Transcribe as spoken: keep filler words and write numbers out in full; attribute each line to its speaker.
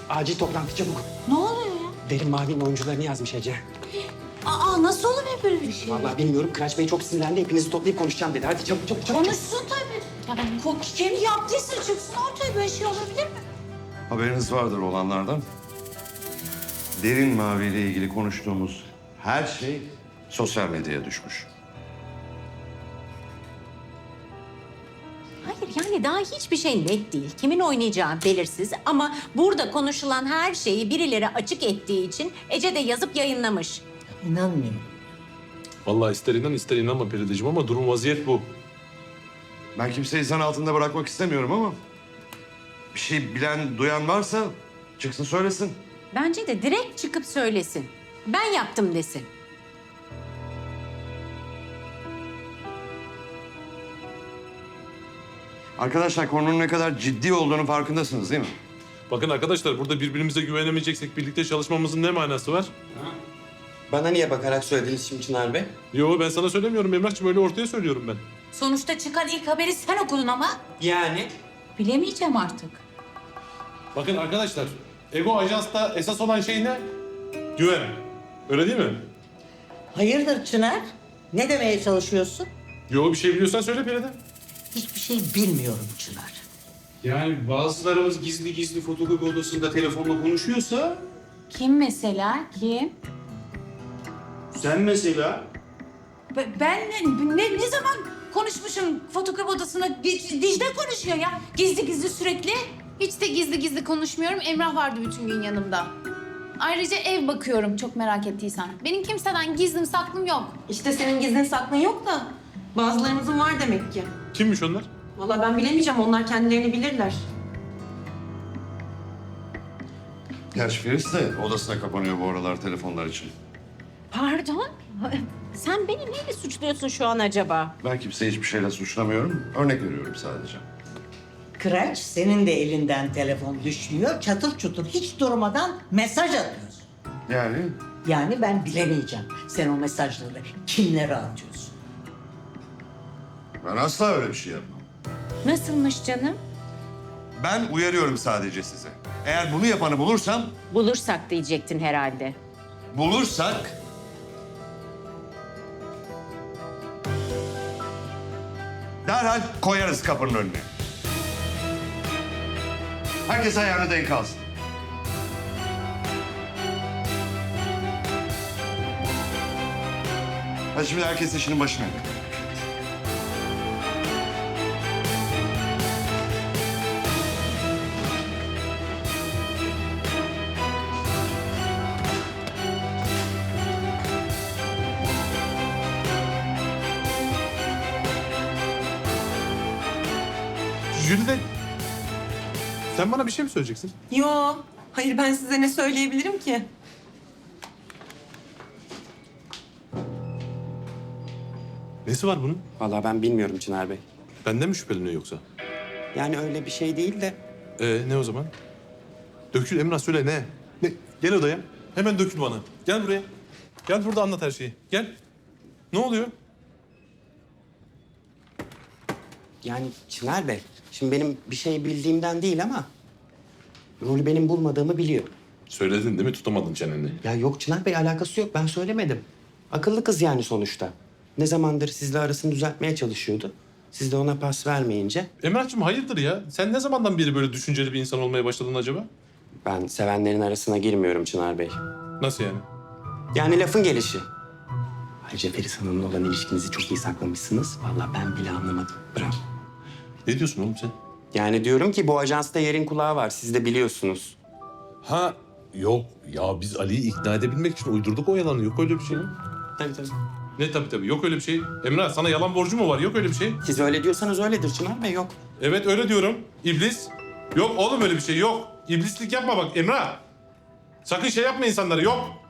Speaker 1: Acil toplantı çabuk.
Speaker 2: Ne oluyor ya?
Speaker 1: Derin Mavi'nin oyuncularını yazmış Ece.
Speaker 2: Aa nasıl olabilir böyle bir şey?
Speaker 1: Vallahi bilmiyorum. Kıraç Bey çok sinirlendi. Hepinizi toplayıp konuşacağım dedi. Hadi çabuk çabuk çabuk.
Speaker 2: Konuşsun tabii. Ya ben ko- kendi yaptıysa çıksın ortaya, böyle şey olabilir mi?
Speaker 3: Haberiniz vardır olanlardan. Derin Mavi ile ilgili konuştuğumuz her şey sosyal medyaya düşmüş.
Speaker 4: Hayır yani daha hiçbir şey net değil. Kimin oynayacağı belirsiz ama burada konuşulan her şeyi birileri açık ettiği için Ece de yazıp yayınlamış.
Speaker 5: İnanmıyorum.
Speaker 6: Vallahi ister inan ister inanma Perideciğim ama durum vaziyet bu.
Speaker 3: Ben kimseyi zan altında bırakmak istemiyorum ama... ...bir şey bilen, duyan varsa çıksın söylesin.
Speaker 4: Bence de direkt çıkıp söylesin. Ben yaptım desin.
Speaker 3: Arkadaşlar konunun ne kadar ciddi olduğunu farkındasınız değil mi?
Speaker 6: Bakın arkadaşlar burada birbirimize güvenemeyeceksek birlikte çalışmamızın ne manası var?
Speaker 1: Bana niye bakarak söylediniz şimdi Çınar Bey?
Speaker 6: Yo ben sana söylemiyorum Emrah'cığım, öyle ortaya söylüyorum ben.
Speaker 2: Sonuçta çıkan ilk haberi sen okudun ama.
Speaker 1: Yani?
Speaker 2: Bilemeyeceğim artık.
Speaker 6: Bakın arkadaşlar, Ego Ajans'ta esas olan şey ne? Güven. Öyle değil mi?
Speaker 5: Hayırdır Çınar? Ne demeye çalışıyorsun?
Speaker 6: Yo bir şey biliyorsan söyle Peride.
Speaker 5: Hiçbir şey bilmiyorum Çınar.
Speaker 7: Yani bazılarımız gizli gizli fotokopi odasında telefonla konuşuyorsa...
Speaker 2: Kim mesela? Kim?
Speaker 7: Sen mesela...
Speaker 2: Be- Ben ne, ne, ne zaman konuşmuşum fotokopi odasında? Di- Dicle konuşuyor ya. Gizli gizli sürekli.
Speaker 8: Hiç de gizli gizli konuşmuyorum. Emrah vardı bütün gün yanımda. Ayrıca ev bakıyorum çok merak ettiysen. Benim kimseden gizlim saklım yok.
Speaker 9: İşte senin gizlin saklın yok da bazılarımızın var demek ki.
Speaker 6: Kimmiş onlar?
Speaker 9: Vallahi ben bilemeyeceğim, onlar kendilerini bilirler.
Speaker 3: Gerçi Filiz de odasına kapanıyor bu aralar telefonlar için.
Speaker 4: Pardon? Sen beni neyle suçluyorsun şu an acaba?
Speaker 3: Ben kimseyi hiçbir şeyle suçlamıyorum. Örnek veriyorum sadece.
Speaker 5: Kıraç senin de elinden telefon düşmüyor. Çatır çutur hiç durmadan mesaj atıyorsun.
Speaker 3: Yani
Speaker 5: Yani ben bilemeyeceğim. Sen o mesajları kimlere atıyorsun?
Speaker 3: ben asla öyle bir şey yapmam.
Speaker 4: Nasılmış canım?
Speaker 3: Ben uyarıyorum sadece size. Eğer bunu yapanı bulursam,
Speaker 4: Bulursak diyecektin herhalde.
Speaker 3: bulursak... derhal koyarız kapının önüne. Herkes ayağını denk alsın. Hadi şimdi herkes işinin başına.
Speaker 6: Jülide, sen bana bir şey mi söyleyeceksin?
Speaker 9: Yo, hayır ben size ne söyleyebilirim ki?
Speaker 6: Nesi var bunun?
Speaker 1: Vallahi ben bilmiyorum Çınar Bey.
Speaker 6: Benden mi şüpheleniyor yoksa?
Speaker 1: Yani öyle bir şey değil de...
Speaker 6: Ee ne o zaman? Dökül Emrah, söyle ne? Ne? Gel odaya. Hemen dökül bana. Gel buraya. Gel burada anlat her şeyi. Gel. Ne oluyor?
Speaker 1: Yani Çınar Bey, şimdi benim bir şey bildiğimden değil ama... rolü benim bulmadığımı biliyor.
Speaker 6: Söyledin değil mi? Tutamadın çeneni.
Speaker 1: Ya yok Çınar Bey, alakası yok. Ben söylemedim. Akıllı kız yani sonuçta. Ne zamandır sizle arasını düzeltmeye çalışıyordu. Siz de ona pas vermeyince...
Speaker 6: Emrah'cığım hayırdır ya? Sen ne zamandan beri böyle düşünceli bir insan olmaya başladın acaba?
Speaker 1: Ben sevenlerin arasına girmiyorum Çınar Bey.
Speaker 6: Nasıl yani?
Speaker 1: Yani lafın gelişi. Ayrıca Feris Hanım'la olan ilişkinizi çok iyi saklamışsınız. Vallahi ben bile anlamadım. Bravo.
Speaker 6: Ne diyorsun oğlum sen?
Speaker 1: Yani diyorum ki bu ajansta yerin kulağı var. Siz de biliyorsunuz.
Speaker 6: Ha yok ya, biz Ali'yi ikna edebilmek için uydurduk o yalanı. Yok öyle bir şey.
Speaker 1: Tabii tabii.
Speaker 6: Ne tabii tabii, yok öyle bir şey. Emrah sana yalan borcu mu var? Yok öyle bir şey.
Speaker 1: Siz öyle diyorsanız öyledir Çınar Bey, yok.
Speaker 6: Evet öyle diyorum. İblis. Yok oğlum öyle bir şey yok. İblislik yapma bak Emrah. Sakın şey yapma insanlara, yok.